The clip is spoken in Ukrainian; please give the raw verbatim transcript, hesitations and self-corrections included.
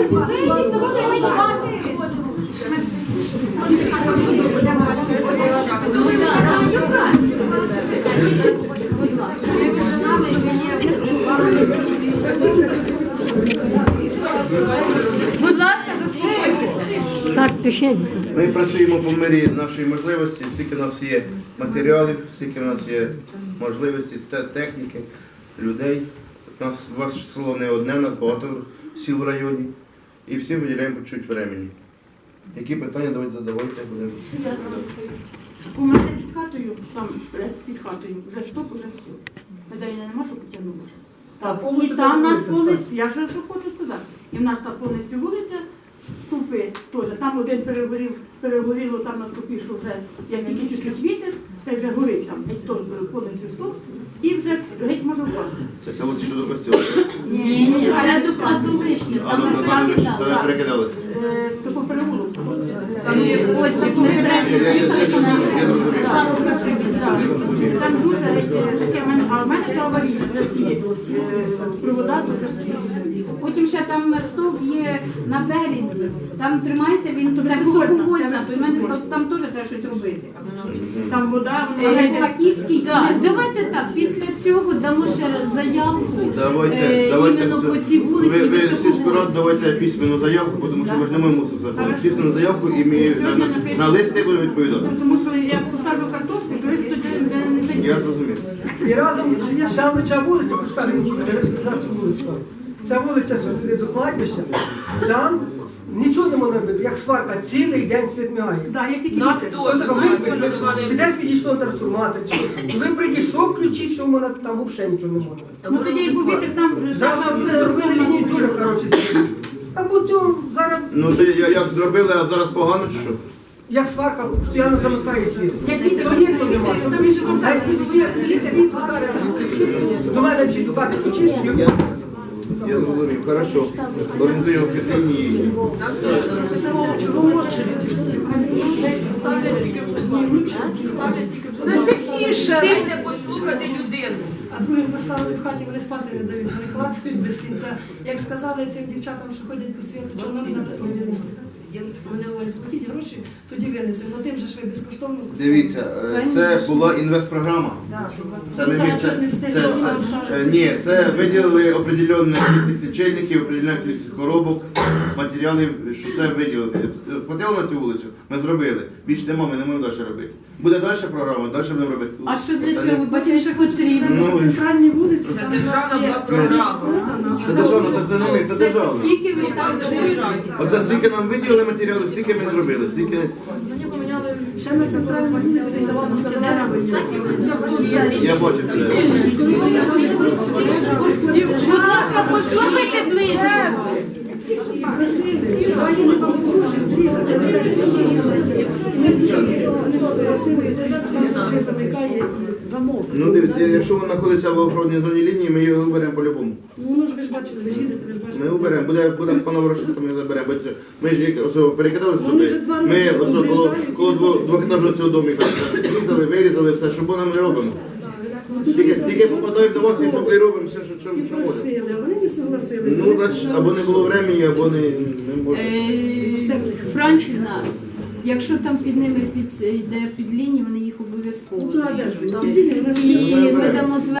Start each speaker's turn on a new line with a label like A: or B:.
A: Будь ласка, заспокойтеся.
B: Так, тихенько.
C: Ми працюємо по мірі нашої можливості, скільки в нас є матеріалів, скільки в нас є можливості те- техніки, людей. У нас ваше село не одне, у нас багато сіл в районі. І всім виділяємо по чуть времени. Які питання давайте задавайте. будемо.
D: У мене під хатою, сам під хатою, вже стоп, уже все. Медаліна нема, що потягнула вже. Так. І там у нас повністю, я ж що хочу сказати, і в нас там повністю вулиця, стовпи теж. Там один перегорів, перегоріло там на стовпі, що вже, як тільки чуть-чуть вітер, це вже горить там, геть то повністю стовп, і вже геть може впасти.
C: Це село що до костюму.
A: Ні, ні, це до кладовища,
C: А
A: там
C: до
A: ми
C: кладовища,
A: перекидали.
C: тоді перекидали.
D: Е, То по переулку.
A: Там є посік, ми зремо
C: Я- я- я-
A: їхали на...
C: я розумію.
D: Там дуже таке, в мене- а в мене це аварійне, вже ці е, провода, то вже
E: Потім ще там стовп є на березі, там тримається він, то це
D: високовольтна,
E: високовольтна,
D: це
E: то в мене
D: високовольтна.
E: там теж треба щось робити.
D: там вода,
E: Але
D: вона
E: Кулаківський,
A: Так, давайте так, після цього дамо ще раз заявку.
C: Давайте,
A: Е,
C: давайте
A: іменно
C: все.
A: по цій вулиці
C: ви, ви
A: Високовольтній.
C: сільську раду давайте письменну заявку, тому що ми ж не можемо це все.
D: Хорошо.
C: Письменну заявку і ми на, на, на листи будемо відповідати.
D: тому що я посаджу картошки, то тоді не зайде.
C: Я зрозумів.
F: І разом саме ця вулиця, почекай, за цю вулицю. Ця вулиця з кладбища, там нічого не можна робити, як сварка, цілий день світ мігає.
D: Да, як тільки
G: Нас
D: вітер.
G: теж.
F: Тобто ви- Чи десь відійшло трансформатор, чи ви прийшов, включіть, що в мене там взагалі нічого не можна.
D: Ну тоді як був вітер, там
F: Зараз ви зробили лінію дуже хороші світ. А потім зараз,
C: Ну то я як зробили, а зараз погано чи що?
F: як сварка, постійно замикає світ.
D: Як вітер,
F: То ніхто немає.
D: там і живо.
F: А ці світ, і світ зараз включіть. До мене всі дубати включіть.
C: Я зрозумів, хорошо. Організуємо офіційні.
G: Ну тихіше, дайте послухати людину.
H: А друге поставили в хаті, вони спати не дають, вони клацають без кінця. Як сказали цим дівчатам, що ходять по світу, чого нам не винесли. Вони говорять, платіть гроші, тоді винесемо. Ну тим же ж ви безкоштовно.
C: Дивіться, е, це була інвестпрограма. Це не від це, це, це, ні, це виділили определенну кількість лічильників, определенну кількість коробок, матеріалів, що це виділили. Платили на цю вулицю, ми зробили. Більше нема, ми не можемо далі робити. Буде далі програма, далі будемо робити.
A: А що для
C: Остальне-
A: цього бачиш потрібно?
C: Ну,
H: Центральні вулиці,
G: Це
H: там у нас
G: державна
H: є
G: була програма.
C: Це державна, це, це не ми, це державна.
A: Скільки ви там здивилися?
C: Оце скільки нам виділили матеріалів, скільки ми зробили, скільки...
H: ще на центральній вулиці і
C: Я бачу це.
A: Будь ласка, послухайте ближче.
H: замикає замок.
C: Ну дивіться, якщо він знаходиться в охоронній зоні лінії, ми його уберемо по-любому.
H: Ну, ну ж ви ж бачили, ви ж їдете, ви ж бачите.
C: Ми уберемо, буде, буде по Новоросійську, ми заберемо. Бо це- Ми ж як ось перекидали
H: Вони вже
C: сюди,
H: два
C: ми
H: роки
C: ось коло,
H: обрізають
C: коло
H: і
C: дво-
H: хочуть.
C: двохетажного цього домика різали, вирізали все, що нам не робимо. Тільки, тільки попадаємо до вас і по- і робимо все, що, що,
H: І
C: що можемо.
H: просили, а вони не согласилися.
C: Ну,
H: Вони
C: значить,
H: сказали,
C: або не
H: що-
C: було времени, або не, не можна.
A: Е, Францівна, якщо там під ними під, йде під лінію, вони їх
H: Ну,
A: обов'язково
H: то, а де ж ви?
A: заїжджають.
H: Там лінія, у нас
A: І
H: є.
A: ми дамо